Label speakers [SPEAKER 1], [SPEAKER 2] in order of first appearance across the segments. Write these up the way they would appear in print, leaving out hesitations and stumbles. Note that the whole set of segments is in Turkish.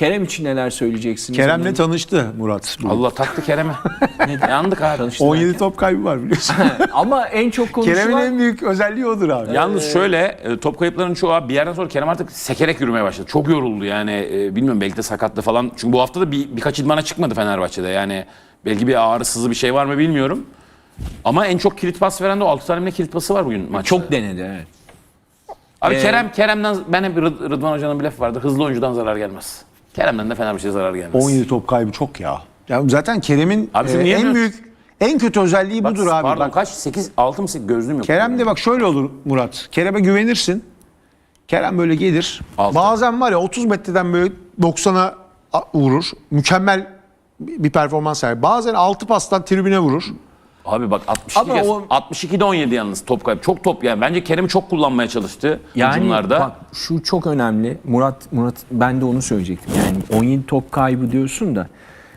[SPEAKER 1] Kerem için neler söyleyeceksiniz?
[SPEAKER 2] Kerem'le tanıştı Murat.
[SPEAKER 3] Allah taktı Kerem'e. Yandık abi.
[SPEAKER 2] 17 top kaybı var biliyorsun.
[SPEAKER 1] Ama en çok konuşulan...
[SPEAKER 2] Kerem'in en büyük özelliği odur abi.
[SPEAKER 3] Yalnız şöyle top kayıplarının çoğu abi bir yerden sonra Kerem artık sekerek yürümeye başladı. Çok yoruldu yani bilmiyorum belki de sakatlı falan. Çünkü bu hafta da birkaç idmana çıkmadı Fenerbahçe'de. Yani belki bir ağrısızı bir şey var mı bilmiyorum. Ama en çok kilit pas veren de o 6 tane bile kilit pası var bugün maçta.
[SPEAKER 1] Çok denedi, evet.
[SPEAKER 3] Abi Kerem'den ben hep Rıdvan Hoca'nın bir lafı vardı. Hızlı oyuncudan zarar gelmez. Kerem'den de Fenerbahçe'ye zarar gelmez.
[SPEAKER 2] 17 top kaybı çok ya. Ya zaten Kerem'in
[SPEAKER 3] Abi şimdi
[SPEAKER 2] en büyük, en kötü özelliği
[SPEAKER 3] Bak,
[SPEAKER 2] budur abi.
[SPEAKER 3] Pardon
[SPEAKER 2] Bak,
[SPEAKER 3] kaç? 8, 6 mı 8 gözlüğüm yok.
[SPEAKER 2] Kerem de bak şöyle olur Murat. Kerem'e güvenirsin. Kerem böyle gelir.
[SPEAKER 3] Altı.
[SPEAKER 2] Bazen var ya 30 metreden böyle 90'a vurur. Mükemmel bir performans sergiler. Bazen 6 pastan tribüne vurur.
[SPEAKER 3] Abi bak 62
[SPEAKER 1] Ama
[SPEAKER 3] kez.
[SPEAKER 1] o-
[SPEAKER 3] 62'de 17 yalnız top kaybı. Çok top yani. Bence Kerem'i çok kullanmaya çalıştı hücumlarda.
[SPEAKER 1] Bak şu çok önemli. Murat ben de onu söyleyecektim. Yani 17 top kaybı diyorsun da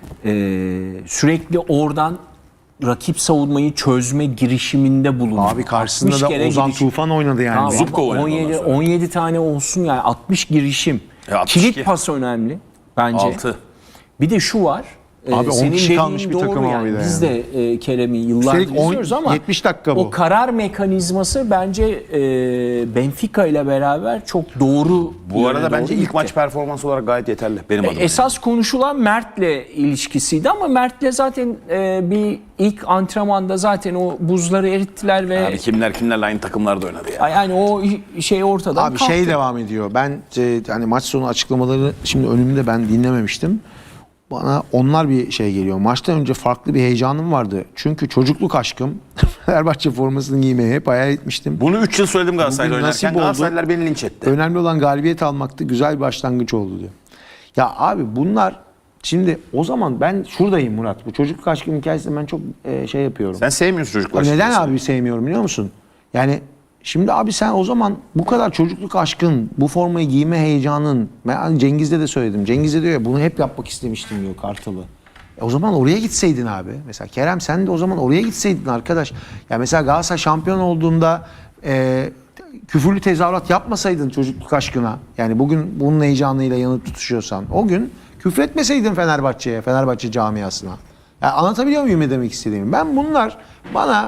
[SPEAKER 1] sürekli oradan rakip savunmayı çözme girişiminde bulundu.
[SPEAKER 2] Abi karşısında
[SPEAKER 1] 60
[SPEAKER 2] da
[SPEAKER 1] kere
[SPEAKER 2] Ozan
[SPEAKER 1] girişim.
[SPEAKER 2] Tufan oynadı yani.
[SPEAKER 1] Tamam,
[SPEAKER 3] Zubko
[SPEAKER 1] ama
[SPEAKER 3] oynadı ondan sonra.
[SPEAKER 1] 17 tane olsun yani 60 girişim.
[SPEAKER 3] 62.
[SPEAKER 1] Kilit pas önemli bence.
[SPEAKER 3] 6.
[SPEAKER 1] Bir de şu var.
[SPEAKER 2] Abi 10
[SPEAKER 1] senin
[SPEAKER 2] kişi
[SPEAKER 1] dediğin
[SPEAKER 2] kalmış bir
[SPEAKER 1] doğru
[SPEAKER 2] takım
[SPEAKER 1] yani.
[SPEAKER 2] abi de
[SPEAKER 1] Biz
[SPEAKER 2] yani.
[SPEAKER 1] de Kerem'i yıllardır
[SPEAKER 2] Üstelik
[SPEAKER 1] izliyoruz ama
[SPEAKER 2] 70 dakika bu.
[SPEAKER 1] o karar mekanizması bence Benfica ile beraber çok doğru.
[SPEAKER 3] Bu arada
[SPEAKER 1] yöne
[SPEAKER 3] bence
[SPEAKER 1] doğru
[SPEAKER 3] ilk
[SPEAKER 1] gitti.
[SPEAKER 3] maç performansı olarak gayet yeterli benim adıma.
[SPEAKER 1] Esas konuşulan Mert'le ilişkisiydi ama Mert'le zaten bir ilk antrenmanda zaten o buzları erittiler ve
[SPEAKER 3] Abi kimlerle aynı takımlarda oynadı ya.
[SPEAKER 1] yani o şey ortadan
[SPEAKER 2] Abi
[SPEAKER 1] kalktı.
[SPEAKER 2] şey devam ediyor. Ben hani maç sonu açıklamaları şimdi önümde ben dinlememiştim. Bana onlar bir şey geliyor. Maçtan önce farklı bir heyecanım vardı. Çünkü çocukluk aşkım Fenerbahçe formasını giymeye hep hayal etmiştim.
[SPEAKER 3] Bunu 3 yıl söyledim Galatasaray'da
[SPEAKER 2] Bugün nasip
[SPEAKER 3] oynarken.
[SPEAKER 2] oldu.
[SPEAKER 3] Galatasaraylılar beni linç etti.
[SPEAKER 2] Önemli olan galibiyet almaktı. Güzel bir başlangıç oldu diyor. Ya abi bunlar şimdi o zaman ben şuradayım Murat. Bu çocukluk aşkım hikayesini ben çok şey yapıyorum.
[SPEAKER 3] Sen sevmiyorsun çocuklar.
[SPEAKER 2] Neden
[SPEAKER 3] şimdi.
[SPEAKER 2] abi sevmiyorum biliyor musun? Yani şimdi abi sen o zaman bu kadar çocukluk aşkın, bu formayı giyme heyecanın, ben hani Cengiz'de de söyledim. Cengiz de diyor ya bunu hep yapmak istemiştim diyor Kartal'ı. O zaman oraya gitseydin abi. Mesela Kerem sen de o zaman oraya gitseydin arkadaş. Ya mesela Galatasaray şampiyon olduğunda küfürlü tezahürat yapmasaydın çocukluk aşkına. Yani bugün bunun heyecanıyla yanıp tutuşuyorsan. O gün küfretmeseydin Fenerbahçe'ye, Fenerbahçe camiasına. Yani anlatabiliyor muyum ne demek istediğimi? Ben bunlar bana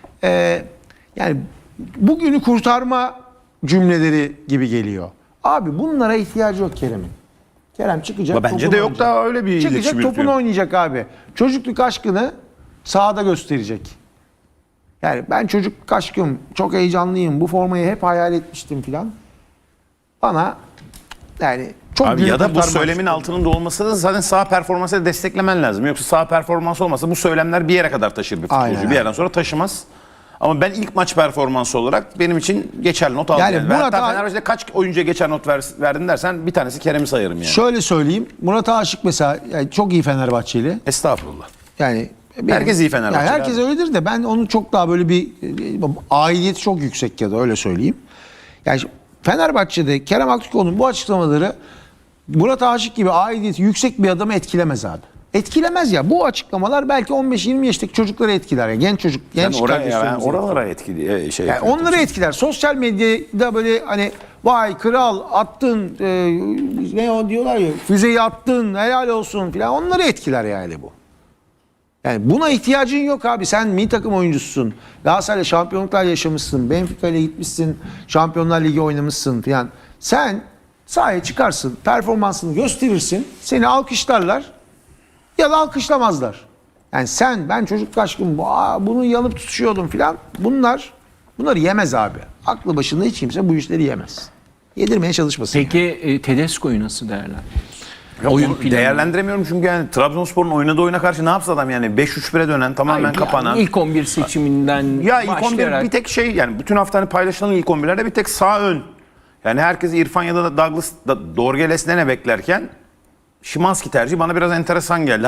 [SPEAKER 2] yani bugünü kurtarma cümleleri gibi geliyor. Abi bunlara ihtiyacı yok Kerem'in. Kerem çıkacak.
[SPEAKER 3] Bence
[SPEAKER 2] topunu
[SPEAKER 3] de yok
[SPEAKER 2] oynayacak.
[SPEAKER 3] da öyle bir iletişim
[SPEAKER 2] Çıkacak topunu
[SPEAKER 3] yürütüyor.
[SPEAKER 2] oynayacak abi. Çocukluk aşkını sahada gösterecek. Yani ben çocukluk aşkım, çok heyecanlıyım. Bu formayı hep hayal etmiştim filan. Bana yani çok
[SPEAKER 3] Abi
[SPEAKER 2] büyük
[SPEAKER 3] ya da bu
[SPEAKER 2] kurtarma
[SPEAKER 3] söylemin
[SPEAKER 2] çıktı.
[SPEAKER 3] altının da olması da zaten sağ performansı da desteklemen lazım. Yoksa sağ performans olmasa bu söylemler bir yere kadar taşır bir futbolcu.
[SPEAKER 2] Aynen.
[SPEAKER 3] Bir yerden sonra taşımaz. Ama ben ilk maç performansı olarak benim için geçerli not aldım.
[SPEAKER 2] Yani
[SPEAKER 3] Yani.
[SPEAKER 2] Murat
[SPEAKER 3] Hatta
[SPEAKER 2] abi-
[SPEAKER 3] Fenerbahçe'de kaç oyuncuya geçer not verdin dersen bir tanesi Kerem'i sayarım yani.
[SPEAKER 2] Şöyle söyleyeyim. Murat Aşık mesela yani çok iyi Fenerbahçeli.
[SPEAKER 3] Estağfurullah.
[SPEAKER 2] Yani
[SPEAKER 3] Herkes iyi Fenerbahçeli
[SPEAKER 2] Yani herkes
[SPEAKER 3] abi.
[SPEAKER 2] öyledir de ben onu çok daha böyle bir aidiyeti çok yüksek ya da öyle söyleyeyim. Yani Fenerbahçe'de Kerem Aktürkoğlu'nun bu açıklamaları Murat Aşık gibi aidiyeti yüksek bir adamı etkilemez abi. Etkilemez ya. Bu açıklamalar belki 15-20 yaşındaki çocukları etkiler. Yani genç çocuk, genç kardeşlerimizi
[SPEAKER 3] oralara etkili şey.
[SPEAKER 2] yani onları etkiler. Sosyal medyada böyle hani vay kral attın ne o diyorlar ya füzeyi attın helal olsun filan onları etkiler yani bu. Yani buna ihtiyacın yok abi. Sen milli takım oyuncususun. Galatasaray'la şampiyonluklar yaşamışsın. Benfica ile gitmişsin. Şampiyonlar Ligi oynamışsın filan. Sen sahaya çıkarsın. Performansını gösterirsin. Seni alkışlarlar ya da alkışlamazlar. Yani ben çocuk aşkım bunu yanıp tutuşuyordum filan. Bunları yemez abi. Aklı başında hiç kimse bu işleri yemez. Yedirmeye çalışmasın.
[SPEAKER 1] Peki Tedesco'yu nasıl değerlendiriyorsun?
[SPEAKER 3] Yok,
[SPEAKER 1] Oyun
[SPEAKER 3] onu
[SPEAKER 1] planı.
[SPEAKER 3] değerlendiremiyorum çünkü yani Trabzonspor'un oynadığı oyuna karşı ne yapsa adam yani 5-3-1'e dönen tamamen
[SPEAKER 1] Hayır,
[SPEAKER 3] kapanan.
[SPEAKER 1] yani ilk 11 seçiminden
[SPEAKER 3] Ya ilk 11
[SPEAKER 1] başlayarak
[SPEAKER 3] bir tek şey yani bütün hafta hani paylaşılan ilk 11'lerde bir tek sağ ön. Yani herkes İrfan ya da Douglas Dorgeles'le ne beklerken Szymański tercihi bana biraz enteresan geldi.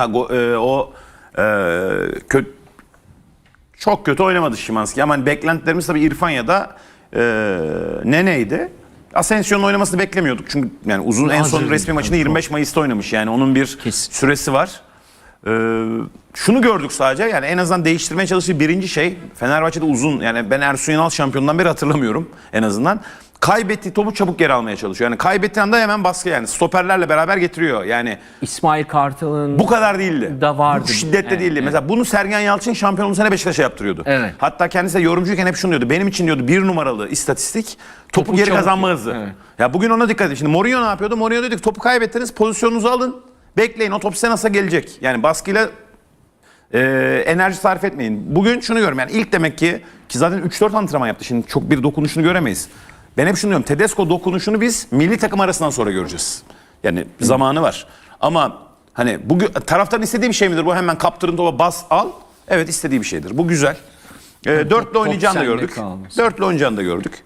[SPEAKER 3] Çok kötü oynamadı Szymański ama hani beklentilerimiz tabii İrfan ya da Nene'ydi. Asensio'nun oynamasını beklemiyorduk. Çünkü yani uzun en son
[SPEAKER 1] Hazır
[SPEAKER 3] resmi
[SPEAKER 1] değil.
[SPEAKER 3] maçını 25 Mayıs'ta oynamış. Yani onun bir
[SPEAKER 1] Kesin.
[SPEAKER 3] süresi var. Şunu gördük sadece yani en azından değiştirmeye çalıştığı birinci şey Fenerbahçe'de uzun yani ben Ersun Yanal şampiyonundan beri hatırlamıyorum en azından. kaybettiği topu çabuk geri almaya çalışıyor. Yani kaybettiği anda hemen baskı, yani stoperlerle beraber getiriyor. Yani
[SPEAKER 1] İsmail Kartal'ın
[SPEAKER 3] bu kadar değildi.
[SPEAKER 1] da vardı.
[SPEAKER 3] Bu şiddette
[SPEAKER 1] Evet,
[SPEAKER 3] değildi.
[SPEAKER 1] evet.
[SPEAKER 3] Mesela bunu Sergen Yalçın şampiyon olduğu sene Beşiktaş'a yaptırıyordu.
[SPEAKER 1] Evet.
[SPEAKER 3] Hatta kendisi de yorumcuyken hep şunu diyordu. Benim için diyordu 1 numaralı istatistik topu geri
[SPEAKER 1] çabuk-
[SPEAKER 3] kazanma hızı.
[SPEAKER 1] Evet.
[SPEAKER 3] Ya bugün ona dikkat edin. Şimdi Mourinho ne yapıyordu? Mourinho dedi ki topu kaybettiniz, pozisyonunuzu alın. Bekleyin, o top size nasıl gelecek? Yani baskıyla enerji sarf etmeyin. Bugün şunu görüyorum, yani ilk demek ki zaten 3-4 antrenman yaptı. Şimdi çok bir dokunuşunu göremeyiz. Ben hep şunu diyorum. Tedesco dokunuşunu biz milli takım arasından sonra göreceğiz. Yani zamanı var. Ama hani bugün taraftarın istediği bir şey midir? Bu hemen kaptırın topa bas al. Evet, istediği bir şeydir. Bu güzel. Dörtlü oynayacağını da
[SPEAKER 1] sende
[SPEAKER 3] gördük.
[SPEAKER 1] kalmasın.
[SPEAKER 3] Dörtlü oynayacağını da gördük.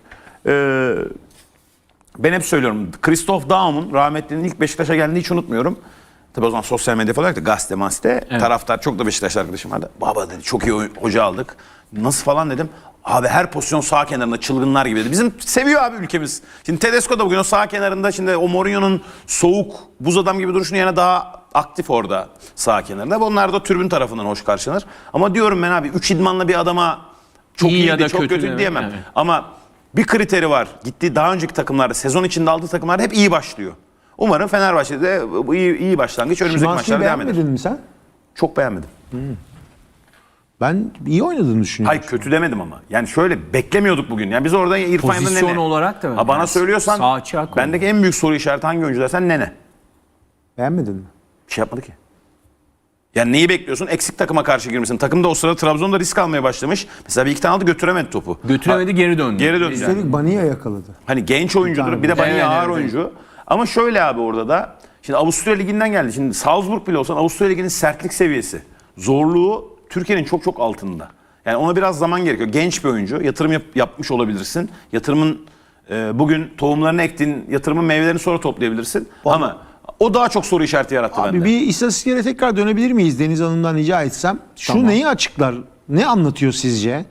[SPEAKER 3] Ben hep söylüyorum. Christoph Daum'un rahmetlinin ilk Beşiktaş'a geldiğini hiç unutmuyorum. Tabii o zaman sosyal medya falan yoktu. Gazete, masite. Taraftar, çok da Beşiktaşlı arkadaşım vardı. Baba dedi, çok iyi hoca aldık. Nasıl falan dedim. Abi her pozisyon sağ kenarında çılgınlar gibi dedi. Bizim seviyor abi ülkemiz. Şimdi Tedesco da bugün o sağ kenarında, şimdi o Mourinho'nun soğuk buz adam gibi duruşunu yana daha aktif orada sağ kenarında. Onlar da tribün tarafından hoş karşılanır. Ama diyorum ben abi 3 idmanla bir adama çok
[SPEAKER 1] İyi
[SPEAKER 3] iyiydi,
[SPEAKER 1] ya da
[SPEAKER 3] çok
[SPEAKER 1] kötü
[SPEAKER 3] kötü
[SPEAKER 1] demek,
[SPEAKER 3] diyemem.
[SPEAKER 1] evet.
[SPEAKER 3] Ama bir kriteri var. Gittiği daha önceki takımlarda, sezon içinde aldığı takımlarda hep iyi başlıyor. Umarım Fenerbahçe'de de bu iyi başlangıç önümüzdeki
[SPEAKER 2] Szymański'yi
[SPEAKER 3] maçlarda devam eder.
[SPEAKER 2] beğenmedin mi sen?
[SPEAKER 3] Çok beğenmedim.
[SPEAKER 2] Ben iyi oynadığını düşünüyorum.
[SPEAKER 3] Hayır, kötü demedim ama. Yani şöyle beklemiyorduk bugün. Yani biz orada İrfan Yan'da
[SPEAKER 1] Pozisyon
[SPEAKER 3] Nene.
[SPEAKER 1] olarak da
[SPEAKER 3] Ha, bana
[SPEAKER 1] yani
[SPEAKER 3] söylüyorsan
[SPEAKER 1] sağ açığa koy.
[SPEAKER 3] bendeki en büyük soru işareti hangi oyuncu dersen Nene.
[SPEAKER 2] Beğenmedin mi?
[SPEAKER 3] Bir şey yapmadı ki. Yani neyi bekliyorsun? Eksik takıma karşı girmesin. Takım da o sırada Trabzon'da risk almaya başlamış. Mesela bir iki tane aldı, götüremedi topu.
[SPEAKER 1] Götüremedi, geri döndü.
[SPEAKER 3] Geri döndü. Yani.
[SPEAKER 2] Üstelik Baniya yakaladı.
[SPEAKER 3] Hani genç oyuncudur. Bir de Bani
[SPEAKER 1] Evet,
[SPEAKER 3] ağır
[SPEAKER 1] evet.
[SPEAKER 3] oyuncu. Ama şöyle abi, orada da şimdi Avusturya Ligi'nden geldi. Şimdi Salzburg bile olsan Avusturya Ligi'nin sertlik seviyesi, zorluğu Türkiye'nin çok çok altında. Yani ona biraz zaman gerekiyor. Genç bir oyuncu. Yatırım yapmış olabilirsin. Yatırımın bugün tohumlarını ektiğin yatırımın meyvelerini sonra toplayabilirsin. Ama o daha çok soru işareti yarattı
[SPEAKER 2] Abi
[SPEAKER 3] bende.
[SPEAKER 2] bir istatistiklere tekrar dönebilir miyiz Deniz Hanım'dan rica etsem? Şu neyi açıklar? Ne anlatıyor sizce?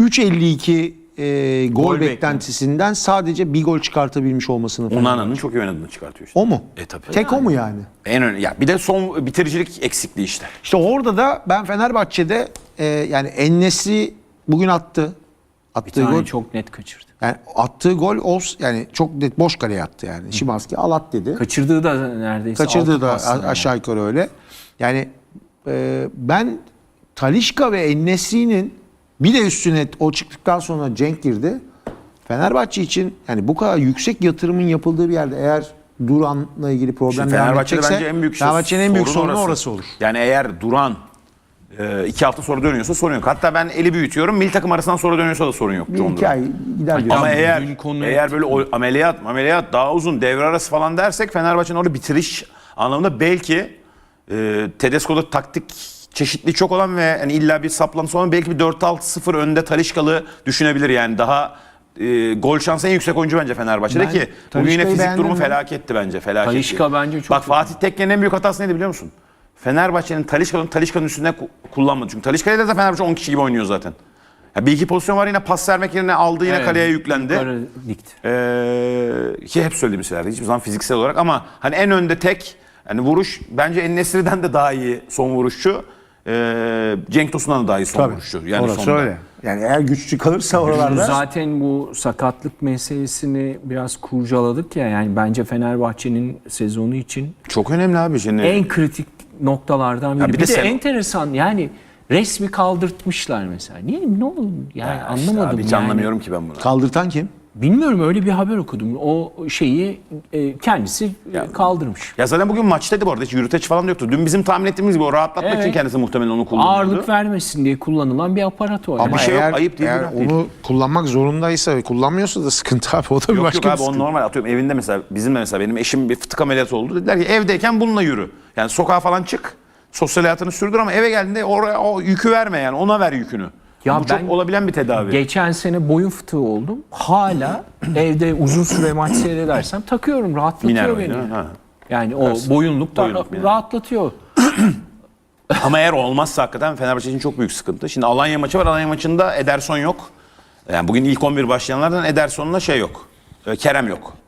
[SPEAKER 2] 3.52 gol
[SPEAKER 1] Gol
[SPEAKER 2] beklentisinden sadece bir gol çıkartabilmiş olmasını falan.
[SPEAKER 3] Onana'nın çok iyi oynadığını çıkartıyor işte.
[SPEAKER 2] O mu?
[SPEAKER 3] Tabii.
[SPEAKER 2] Tek o mu yani?
[SPEAKER 3] En önemli. Ya bir de son bitiricilik eksikliği işte.
[SPEAKER 2] İşte orada da ben Fenerbahçe'de yani En-Nesyri bugün attı.
[SPEAKER 1] Bir
[SPEAKER 2] Attığı
[SPEAKER 1] tane
[SPEAKER 2] gol.
[SPEAKER 1] çok net kaçırdı.
[SPEAKER 2] Yani attığı gol yani çok net boş kaleye attı yani. Szymański al at dedi.
[SPEAKER 1] Kaçırdığı da neredeyse.
[SPEAKER 2] Kaçırdığı
[SPEAKER 1] altı
[SPEAKER 2] da
[SPEAKER 1] pas yani.
[SPEAKER 2] aşağı yukarı öyle. Yani ben Talisca ve En-Nesyri'nin bir de üstüne o çıktıktan sonra Cenk girdi. Fenerbahçe için yani bu kadar yüksek yatırımın yapıldığı bir yerde eğer Duran'la ilgili problem
[SPEAKER 3] Şimdi
[SPEAKER 2] devam
[SPEAKER 3] Fenerbahçe'de
[SPEAKER 2] edecekse
[SPEAKER 3] bence en büyük
[SPEAKER 2] Fenerbahçe'nin en büyük sorunu orası olur.
[SPEAKER 3] Yani eğer Duran 2 hafta sonra dönüyorsa sorun yok. Hatta ben eli büyütüyorum. Milli takım arasından sonra dönüyorsa da sorun yok.
[SPEAKER 2] Bir
[SPEAKER 3] John
[SPEAKER 2] iki
[SPEAKER 3] Duran.
[SPEAKER 2] ay gider diyor.
[SPEAKER 3] Ama
[SPEAKER 1] Tamam,
[SPEAKER 3] eğer
[SPEAKER 1] dün konu
[SPEAKER 3] böyle ameliyat daha uzun, devre arası falan dersek Fenerbahçe'nin orada bitiriş anlamında belki Tedesco'da taktik çeşitliği çok olan ve hani illa bir saplantısı olan belki bir 4-6-0 önde Talisca'lı düşünebilir yani. Daha gol şansı en yüksek oyuncu bence Fenerbahçe'de
[SPEAKER 2] Ben
[SPEAKER 3] ki bugün
[SPEAKER 2] Talisca'yı
[SPEAKER 3] yine fizik
[SPEAKER 2] beğendim
[SPEAKER 3] durumu
[SPEAKER 2] mi?
[SPEAKER 3] felaketti bence. Felaketti.
[SPEAKER 1] Talisca bence çok
[SPEAKER 3] Bak
[SPEAKER 1] kötü.
[SPEAKER 3] Fatih Tekke'nin en büyük hatası neydi biliyor musun? Fenerbahçe'nin Talisca'nın üstünde kullanmadı. Çünkü Talisca'yla da Fenerbahçe 10 kişi gibi oynuyor zaten. Ya bir iki pozisyon var, yine pas vermek yerine aldı, yine
[SPEAKER 1] Evet,
[SPEAKER 3] kaleye yüklendi.
[SPEAKER 1] yukarı dikti.
[SPEAKER 3] Ki hep söylediğim şeylerdi. Hiçbir zaman fiziksel olarak ama hani en önde tek hani vuruş bence En-Nesyri'den de daha iyi son vuruşçu. Cenk Tosun'dan da daha iyi son vuruşçu. Yani
[SPEAKER 2] Orası
[SPEAKER 3] sonda.
[SPEAKER 2] öyle. Yani eğer güçlü kalırsa oralarda
[SPEAKER 1] Zaten bu sakatlık meselesini biraz kurcaladık ya, yani bence Fenerbahçe'nin sezonu için
[SPEAKER 3] Çok önemli abi şimdi.
[SPEAKER 1] en kritik noktalardan biri.
[SPEAKER 3] bir
[SPEAKER 1] Bir,
[SPEAKER 3] de
[SPEAKER 1] de
[SPEAKER 3] sen-
[SPEAKER 1] enteresan yani resmi kaldırtmışlar mesela. Niye, ne olur yani anlamadım
[SPEAKER 3] Abi hiç
[SPEAKER 1] yani.
[SPEAKER 3] anlamıyorum ki ben bunu.
[SPEAKER 2] kaldırtan kim?
[SPEAKER 1] Bilmiyorum, öyle bir haber okudum. O şeyi kendisi kaldırmış.
[SPEAKER 3] Ya zaten bugün maçtaydı bu arada, hiç yürüteç falan da yoktu. Dün bizim tahmin ettiğimiz gibi o rahatlatmak
[SPEAKER 1] Evet.
[SPEAKER 3] için kendisi muhtemelen onu kullanıyordu.
[SPEAKER 1] Ağırlık vermesin diye kullanılan bir aparat o. yani.
[SPEAKER 2] Ama
[SPEAKER 3] bir şey yok,
[SPEAKER 2] eğer,
[SPEAKER 3] ayıp değil,
[SPEAKER 2] eğer
[SPEAKER 3] günah değil.
[SPEAKER 2] onu kullanmak zorundaysa ve kullanmıyorsa da sıkıntı abi. O da bir
[SPEAKER 3] Yok
[SPEAKER 2] başka
[SPEAKER 3] yok
[SPEAKER 2] bir
[SPEAKER 3] abi,
[SPEAKER 2] sıkıntı.
[SPEAKER 3] on normal, atıyorum evinde mesela, bizim de mesela benim eşim bir fıtık ameliyatı oldu. Dediler ki evdeyken bununla yürü. Yani sokağa falan çık. Sosyal hayatını sürdür ama eve geldiğinde oraya o yükü verme, yani ona ver yükünü.
[SPEAKER 1] Ya
[SPEAKER 3] Bu
[SPEAKER 1] ben
[SPEAKER 3] çok olabilen bir tedavi.
[SPEAKER 1] Geçen sene boyun fıtığı oldum. Hala evde uzun süre maç seyredersem takıyorum. Rahatlatıyor
[SPEAKER 3] Miner
[SPEAKER 1] beni.
[SPEAKER 3] oyunu, ha.
[SPEAKER 1] Yani o boyunluk da
[SPEAKER 3] Boyunluk, miner.
[SPEAKER 1] rahatlatıyor.
[SPEAKER 3] Ama eğer olmazsa hakikaten Fenerbahçe için çok büyük sıkıntı. Şimdi Alanya maçı var. Alanya maçında Ederson yok. Yani bugün ilk 11 başlayanlardan Ederson'la şey yok. Kerem yok.